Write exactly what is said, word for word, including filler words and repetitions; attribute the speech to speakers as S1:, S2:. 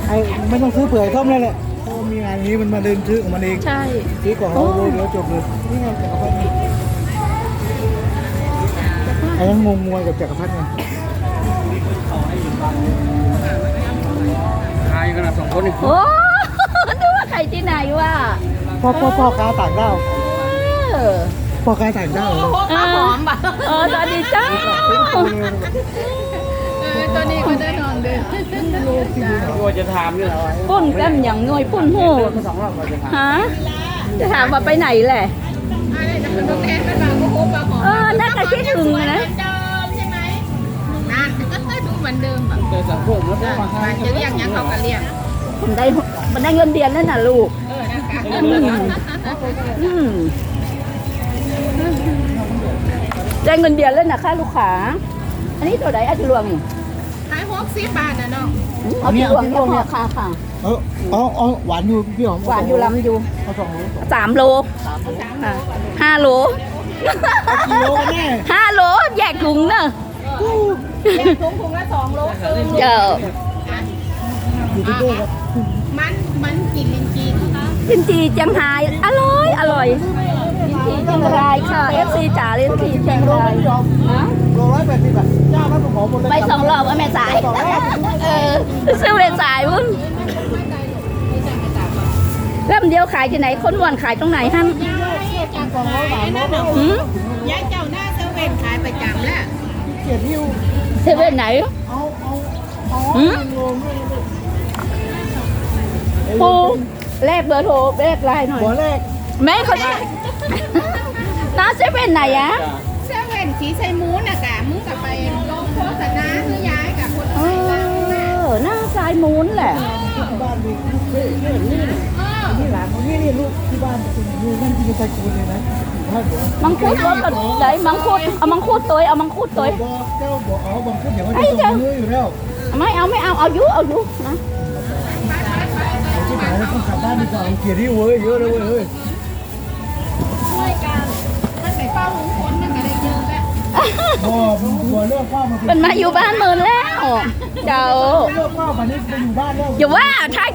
S1: ไอ้ไม่ต้องซื้อเปลือยส้มเลยแหละเพราะมีงานนี้มันมาเดินซื้อของมันเอง
S2: ใช่
S1: ซื้อของเราเดี๋ยวจบเลยนี่ไงจักรพรรดิไอ้ยังงงงวยกับจักรพรรดิไง
S3: ทายกันนะสองคนนี่
S2: โอ้ นึกว่าใครที่ไหนวะ
S1: พ่อพ่อพ่อค้าต่างด้าว
S2: เออ
S1: พ่อค้าต่างด้าวเหรอ
S2: เออเออสวัสดีจ้า
S4: ตัวนี้ก็ได้นอนด้วย
S3: ว่าจะถามนี่แหละ
S2: ปุ้นแก้มอย่างง่อยปุ้นหู
S3: มาสองรอบว่าจะถาม
S2: ฮะจะถามว่าไปไหนแหละ
S4: อะไรจะเป็นตัวแทนเป็นบางก็ครบปลาหอม
S2: เออน่าจะคิดถึงนะ
S4: เดิมใช่ไหมนั่นก็ดูเหมือนเดิมอ่ะ
S3: เจอสังคมแล้วก็มาให้
S4: จะเรียกยังเขาก็เรียก
S2: มันได้มันได้เงินเดือนแล้วน่ะลูก
S4: เออนะคะ
S2: อืมได้เงินเดือนแล้วนะค่าลูกค้าอันนี้ตัวไหนอาจจะรวงนี่
S4: ขายหกสิบบาทนะน้อง
S2: เอาที่รวงเนี่ยเนี่ยค่ะค่ะ
S1: เอออ๋ออ๋อหวานอยู่พี่หอม
S2: หวานอยู่ลำอยู่
S1: เอาสองโล
S2: สามโลค่ะห้าโล
S1: กิโลกันแน่
S2: ห้าโลแยกถุงเนอะ
S4: แยกถุงถุงละสองโลครึ่ง
S2: เจ้า
S1: อยู่ที่เด้ครับ
S4: มันมันกินลินจีนะคะ
S2: ลินจีเจียงไฮ้อร่อยอร่อยลินจีเจียงรายค่ะ เอฟ ซี จ๋าลินจีเจียงรายฮะ
S1: โลร้อยแปดสิบอ่ะเจ้านั้นผมขอหมดเลย
S2: ไปสองรอบว่าแม่สาย เออซื้อแม่สายวุ้นเริ่มเดียวขายที่ไหนคนอ้วนขายตรงไหนฮั่น
S4: ยายจากของร้อยบาทนั่นน่ะ
S2: หืม
S4: ยายเจ้าหน้าเซเว่นขายประจำแล้ว
S1: เกียรติหิ้ว
S2: เซเว่นไหน
S1: เอาเอาเอา
S2: หืม
S1: โลด้วยนะ
S2: ปูแลกเบอร์โทรแลกไลน์หน่อย
S1: หัวแรก
S2: แม่เขาได้น้าเซเว่นไหนอะ
S4: เซเว่นสีไซมูนน่ะกะมึงกับไปลงโฆษณาคือยายกับคน
S2: เอ
S4: ไทยเราน่ะ
S2: อหน้าซ้ายมูนแหละ
S1: ที่บ้านมีลูกเฮ้ยนี่นี่
S4: เออ
S1: นี่หลานของนี่นี่ลูกที่บ้านเป็นอยู่นั่นที่ไซคูนเลยนะถ้าบอก
S2: มังคุดรถกันไหนมังคุดเอามังคุดตัวเอามังคุดตัว
S1: บอกเจ้าบอกเอาบางคนเดี๋ยวว่าจะส่งมืออยู่แล้ว
S2: ไม่เอาไม่เอาเอายุเอายุนะ
S1: ที่ไหนต้องกลับบ้านดีกว่าเกียรติหิ้วเว้ยเยอะเลยเว้ยเฮ้ย
S4: ช่วยกันท่านไหนเฝ้าลุงพลนั่นก็ได้เยอะแล้ว
S1: บอกบอกเลิกเฝ้ามา
S2: มันมาอยู่บ้านเมินแล้ว เจ้า
S1: เลิกเฝ้ามานี่ไปอยู่บ้านแล้ว
S2: อย่าว่าถ่าย